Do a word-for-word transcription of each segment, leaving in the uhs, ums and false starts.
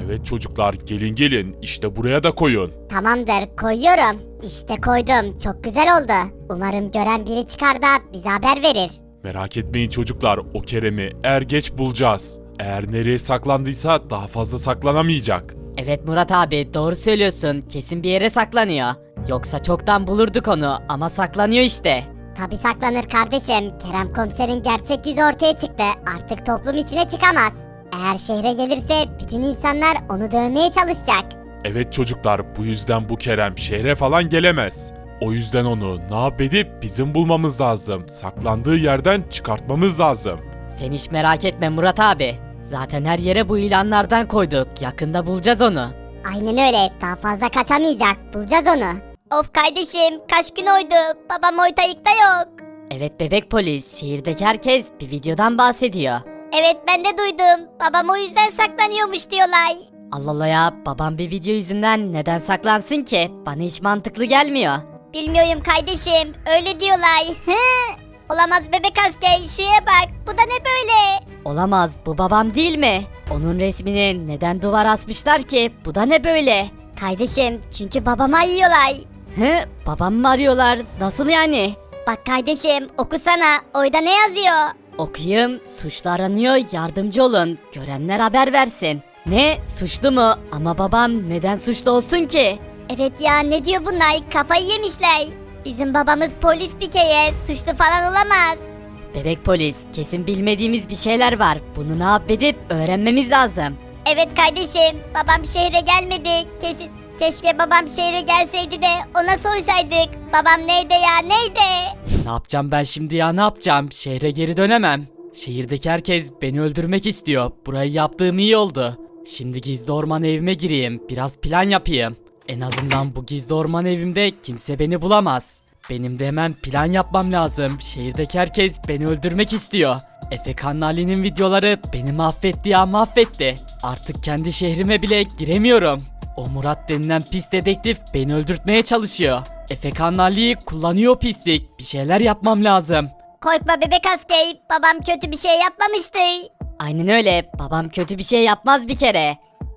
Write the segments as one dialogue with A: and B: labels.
A: Evet çocuklar, gelin gelin, işte buraya da koyun.
B: Tamamdır, koyuyorum. İşte koydum. Çok güzel oldu. Umarım gören biri çıkar da bize haber verir.
A: Merak etmeyin çocuklar, o Kerem'i er geç bulacağız. Eğer nereye saklandıysa daha fazla saklanamayacak.
C: Evet Murat abi, doğru söylüyorsun. Kesin bir yere saklanıyor. Yoksa çoktan bulurduk onu ama saklanıyor işte.
B: Tabi saklanır kardeşim. Kerem komiserin gerçek yüzü ortaya çıktı. Artık toplum içine çıkamaz. Eğer şehre gelirse bütün insanlar onu dövmeye çalışacak.
A: Evet çocuklar, bu yüzden bu Kerem şehre falan gelemez. O yüzden onu ne yap edip bizim bulmamız lazım. Saklandığı yerden çıkartmamız lazım.
C: Sen hiç merak etme Murat abi. Zaten her yere bu ilanlardan koyduk. Yakında bulacağız onu.
B: Aynen öyle. Daha fazla kaçamayacak. Bulacağız onu. Of kardeşim, kaç gün oydu. Babam ortalıkta yok.
C: Evet bebek polis, şehirdeki herkes bir videodan bahsediyor.
B: Evet, ben de duydum. Babam o yüzden saklanıyormuş diyorlar.
C: Allah Allah ya, babam bir video yüzünden neden saklansın ki? Bana hiç mantıklı gelmiyor.
B: Bilmiyorum kardeşim. Öyle diyorlar. Hı. Olamaz bebek asker. Şuraya bak. Bu da ne böyle?
C: Olamaz, bu babam değil mi? Onun resmini neden duvara asmışlar ki? Bu da ne böyle?
B: Kardeşim, çünkü babama yiyorlar.
C: Hı, babam mı arıyorlar? Nasıl yani?
B: Bak kardeşim, okusana. Orada ne yazıyor?
C: Okuyayım, suçlu aranıyor, yardımcı olun. Görenler haber versin. Ne? Suçlu mu? Ama babam neden suçlu olsun ki?
B: Evet ya, ne diyor bunlar? Kafayı yemişler. Bizim babamız polis bir kere. Suçlu falan olamaz.
C: Bebek polis, kesin bilmediğimiz bir şeyler var. Bunu ne yap edip öğrenmemiz lazım.
B: Evet kardeşim, babam şehre gelmedi. Kesin, keşke babam şehre gelseydi de ona sorsaydık. Babam neydi ya, neydi?
C: Ne yapacağım ben şimdi ya, ne yapacağım? Şehre geri dönemem. Şehirdeki herkes beni öldürmek istiyor. Burayı yaptığım iyi oldu. Şimdi gizli orman evime gireyim. Biraz plan yapayım. En azından bu gizli orman evimde kimse beni bulamaz. Benim de hemen plan yapmam lazım. Şehirdeki herkes beni öldürmek istiyor. Efekan Ali'nin videoları beni mahvetti ya, mahvetti. Artık kendi şehrime bile giremiyorum. O Murat denilen pis dedektif beni öldürtmeye çalışıyor. Efekan Ali'yi kullanıyor pislik. Bir şeyler yapmam lazım.
B: Korkma bebek asker, babam kötü bir şey yapmamıştır.
C: Aynen öyle. Babam kötü bir şey yapmaz bir kere.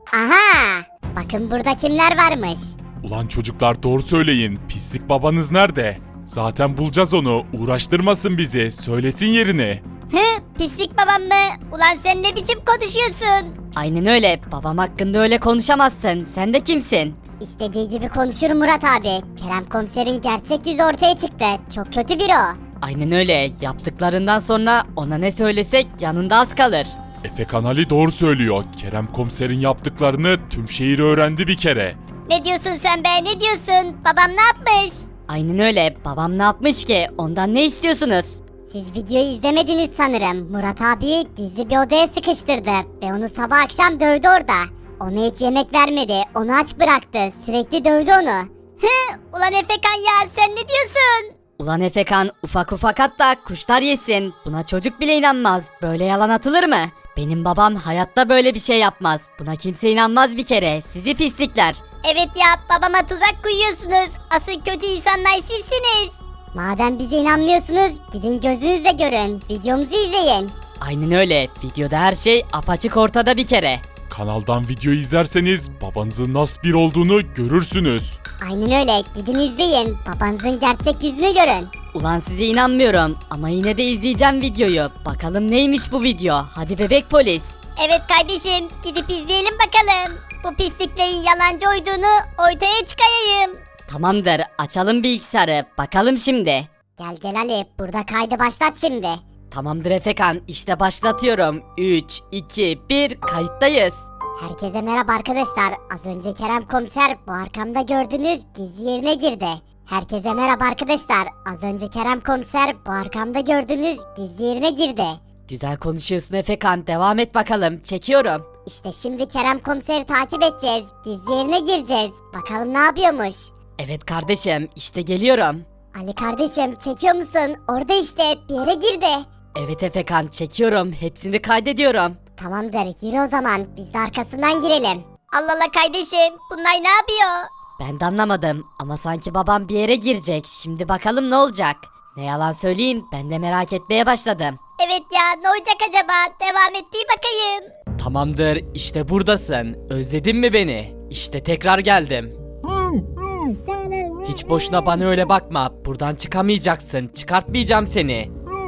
B: Aha! Bakın burada kimler varmış.
A: Ulan çocuklar, doğru söyleyin, pislik babanız nerede? Zaten bulacağız onu, uğraştırmasın bizi, söylesin yerini.
B: Hı, pislik babam mı? Ulan sen ne biçim konuşuyorsun?
C: Aynen öyle. Babam hakkında öyle konuşamazsın. Sen de kimsin?
B: İstediği gibi konuşur Murat abi. Kerem komiserin gerçek yüzü ortaya çıktı. Çok kötü biri o.
C: Aynen öyle. Yaptıklarından sonra ona ne söylesek yanında az kalır.
A: Efekan Ali doğru söylüyor. Kerem komiserin yaptıklarını tüm şehir öğrendi bir kere.
B: Ne diyorsun sen be, ne diyorsun? Babam ne yapmış?
C: Aynen öyle. Babam ne yapmış ki? Ondan ne istiyorsunuz?
B: Siz videoyu izlemediniz sanırım. Murat abiyi gizli bir odaya sıkıştırdı ve onu sabah akşam dövdü orada. Ona hiç yemek vermedi, onu aç bıraktı, sürekli dövdü onu. Hı, ulan Efekan ya, sen ne diyorsun?
C: Ulan Efekan, ufak ufak hatta kuşlar yesin. Buna çocuk bile inanmaz. Böyle yalan atılır mı? Benim babam hayatta böyle bir şey yapmaz. Buna kimse inanmaz bir kere. Sizi pislikler.
B: Evet ya, babama tuzak koyuyorsunuz. Asıl kötü insanlar sizsiniz. Madem bize inanmıyorsunuz, gidin gözünüzle görün. Videomuzu izleyin.
C: Aynen öyle. Videoda her şey apaçık ortada bir kere.
A: Kanaldan video izlerseniz babanızın nasıl bir olduğunu görürsünüz.
B: Aynen öyle, gidin izleyin. Babanızın gerçek yüzünü görün.
C: Ulan size inanmıyorum ama yine de izleyeceğim videoyu. Bakalım neymiş bu video. Hadi bebek polis.
B: Evet kardeşim, gidip izleyelim bakalım. Bu pisliklerin yalancı olduğunu ortaya çıkarayım.
C: Tamamdır, açalım bilgisayarı. Bakalım şimdi.
B: Gel gel Ali, burada kaydı başlat şimdi.
C: Tamamdır Efekan, işte başlatıyorum. üç, iki, bir, kayıttayız.
B: Herkese merhaba arkadaşlar. Az önce Kerem komiser bu arkamda gördüğünüz gizli yerine girdi. Herkese merhaba arkadaşlar. Az önce Kerem komiser bu arkamda gördüğünüz gizli yerine girdi.
C: Güzel konuşuyorsun Efekan, devam et bakalım. Çekiyorum.
B: İşte şimdi Kerem komiseri takip edeceğiz. Gizli yerine gireceğiz. Bakalım ne yapıyormuş.
C: Evet kardeşim, işte geliyorum.
B: Ali kardeşim, çekiyor musun? Orada işte bir yere girdi.
C: Evet Efekan, çekiyorum. Hepsini kaydediyorum.
B: Tamamdır, yürü o zaman. Biz de arkasından girelim. Allah Allah kardeşim, bunlar ne yapıyor?
C: Ben de anlamadım ama sanki babam bir yere girecek. Şimdi bakalım ne olacak. Ne yalan söyleyeyim, ben de merak etmeye başladım.
B: Evet ya, ne olacak acaba? Devam et bir bakayım.
C: Tamamdır, işte buradasın. Özledin mi beni? İşte tekrar geldim. Hiç boşuna bana öyle bakma. Buradan çıkamayacaksın. Çıkartmayacağım seni.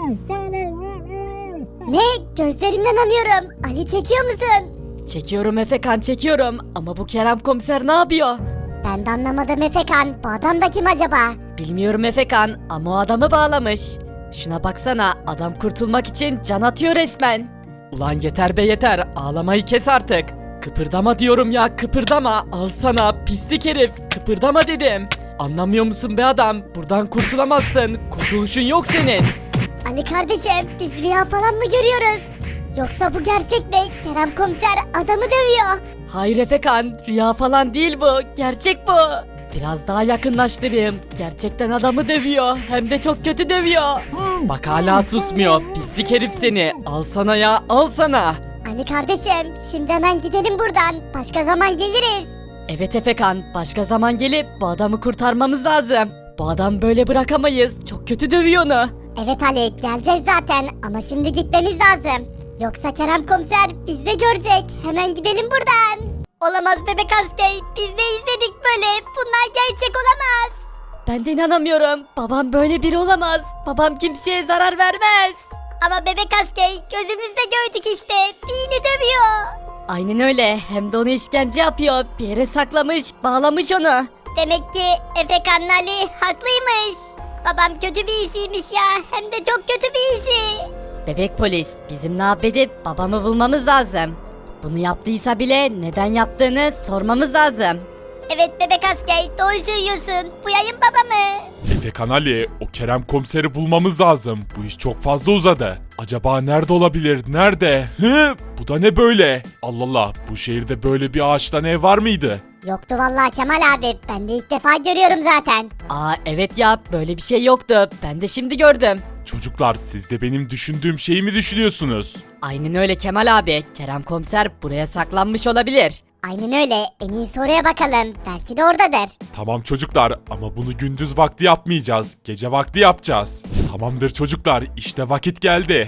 B: Ne? Gözlerimden inanamıyorum. Ali çekiyor musun?
C: Çekiyorum Efekan, çekiyorum. Ama bu Kerem komiser ne yapıyor?
B: Ben de anlamadım Efekan. Bu adam da kim acaba?
C: Bilmiyorum Efekan ama o adamı bağlamış. Şuna baksana, adam kurtulmak için can atıyor resmen. Ulan yeter be yeter, ağlamayı kes artık. Kıpırdama diyorum ya, kıpırdama. Al sana pislik herif, kıpırdama dedim. Anlamıyor musun be adam? Buradan kurtulamazsın. Kurtuluşun yok senin.
B: Ali kardeşim, biz rüya falan mı görüyoruz? Yoksa bu gerçek mi? Kerem komiser adamı dövüyor.
C: Hayır Efekan, rüya falan değil bu. Gerçek bu. Biraz daha yakınlaştırayım. Gerçekten adamı dövüyor. Hem de çok kötü dövüyor. Bak hala susmuyor. Pislik herif seni. Al sana ya, al sana.
B: Ali kardeşim, şimdi hemen gidelim buradan. Başka zaman geliriz.
C: Evet Efekan, başka zaman gelip bu adamı kurtarmamız lazım. Bu adam böyle bırakamayız. Çok kötü dövüyor onu.
B: Evet Ali, geleceğiz zaten ama şimdi gitmemiz lazım. Yoksa Kerem komiser bizi de görecek. Hemen gidelim buradan. Olamaz bebek askeri. Biz ne izledik böyle? Bunlar gerçek olamaz.
C: Ben de inanamıyorum. Babam böyle biri olamaz. Babam kimseye zarar vermez.
B: Ama bebek askeri gözümüzde gördük işte. Beni dövüyor.
C: Aynen öyle. Hem de onu işkence yapıyor. Bir yere saklamış, bağlamış onu.
B: Demek ki Efekan Ali haklıymış. Babam kötü birisiymiş ya. Hem de çok kötü birisi.
C: Bebek polis, bizim ne yapıp babamı bulmamız lazım. Bunu yaptıysa bile neden yaptığını sormamız lazım.
B: Evet bebek askeri, doğru söylüyorsun. Buyayım babamı.
A: Efekan Ali, o Kerem komiseri bulmamız lazım. Bu iş çok fazla uzadı. Acaba nerede olabilir? Nerede? Hı? Bu da ne böyle? Allah Allah, bu şehirde böyle bir ağaçtan ev var mıydı?
B: Yoktu vallahi Kemal abi. Ben de ilk defa görüyorum zaten.
C: Aa evet ya, böyle bir şey yoktu. Ben de şimdi gördüm.
A: Çocuklar, siz de benim düşündüğüm şeyi mi düşünüyorsunuz?
C: Aynen öyle Kemal abi. Kerem komiser buraya saklanmış olabilir.
B: Aynen öyle. En iyisi oraya bakalım. Belki de oradadır.
A: Tamam çocuklar, ama bunu gündüz vakti yapmayacağız. Gece vakti yapacağız. Tamamdır çocuklar, işte vakit geldi.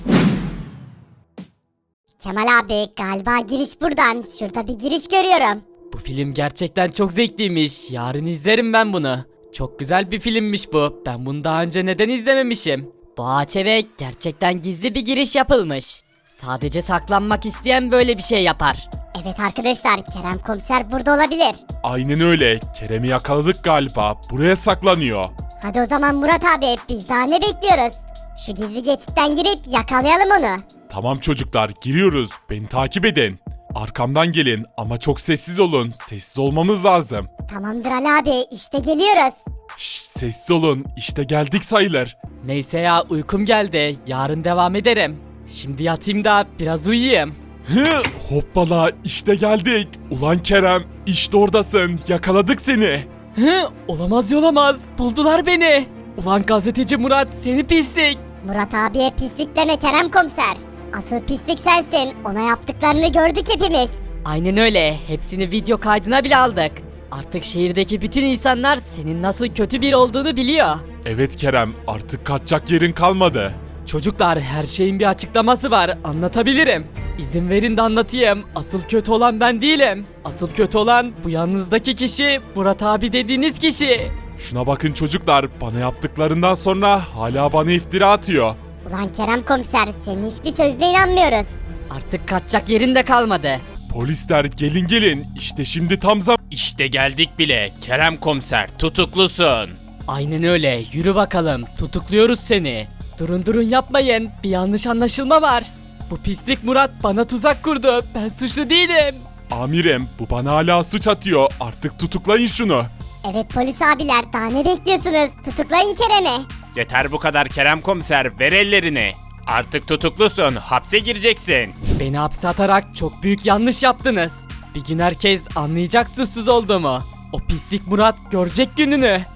B: Kemal abi galiba giriş buradan. Şurada bir giriş görüyorum.
C: Bu film gerçekten çok zevkliymiş. Yarın izlerim ben bunu. Çok güzel bir filmmiş bu. Ben bunu daha önce neden izlememişim? Bu ağaç eve gerçekten gizli bir giriş yapılmış. Sadece saklanmak isteyen böyle bir şey yapar.
B: Evet arkadaşlar, Kerem komiser burada olabilir.
A: Aynen öyle, Kerem'i yakaladık galiba. Buraya saklanıyor.
B: Hadi o zaman Murat abi, biz daha ne bekliyoruz? Şu gizli geçitten girip yakalayalım onu.
A: Tamam çocuklar, giriyoruz. Beni takip edin. Arkamdan gelin ama çok sessiz olun. Sessiz olmamız lazım.
B: Tamamdır Ali abi, işte geliyoruz.
A: Şşş, sessiz olun. İşte geldik sayılır.
C: Neyse ya, uykum geldi. Yarın devam ederim. Şimdi yatayım da biraz uyuyayım.
A: Hı, hoppala, işte geldik. Ulan Kerem, işte oradasın. Yakaladık seni.
C: Hı, olamaz olamaz. Buldular beni. Ulan gazeteci Murat, seni pislik.
B: Murat abiye pislik deme Kerem komiser. Asıl pislik sensin. Ona yaptıklarını gördük hepimiz.
C: Aynen öyle. Hepsini video kaydına bile aldık. Artık şehirdeki bütün insanlar senin nasıl kötü bir olduğunu biliyor.
A: Evet Kerem, artık kaçacak yerin kalmadı.
C: Çocuklar, her şeyin bir açıklaması var. Anlatabilirim. İzin verin de anlatayım. Asıl kötü olan ben değilim. Asıl kötü olan bu yanınızdaki kişi, Murat abi dediğiniz kişi.
A: Şuna bakın çocuklar, bana yaptıklarından sonra hala bana iftira atıyor.
B: Ulan Kerem komiser, senin hiçbir sözüne inanmıyoruz.
C: Artık kaçacak yerin de kalmadı.
A: Polisler gelin gelin, işte şimdi tam zam...
D: İşte geldik bile. Kerem komiser tutuklusun.
C: Aynen öyle. Yürü bakalım. Tutukluyoruz seni. Durun durun yapmayın. Bir yanlış anlaşılma var. Bu pislik Murat bana tuzak kurdu. Ben suçlu değilim.
A: Amirim, bu bana hala suç atıyor. Artık tutuklayın şunu.
B: Evet polis abiler, daha ne bekliyorsunuz? Tutuklayın Kerem'i.
D: Yeter bu kadar Kerem komiser, ver ellerini. Artık tutuklusun, hapse gireceksin.
C: Beni hapse atarak çok büyük yanlış yaptınız. Bir gün herkes anlayacak suçsuz olduğumu. O pislik Murat görecek gününü.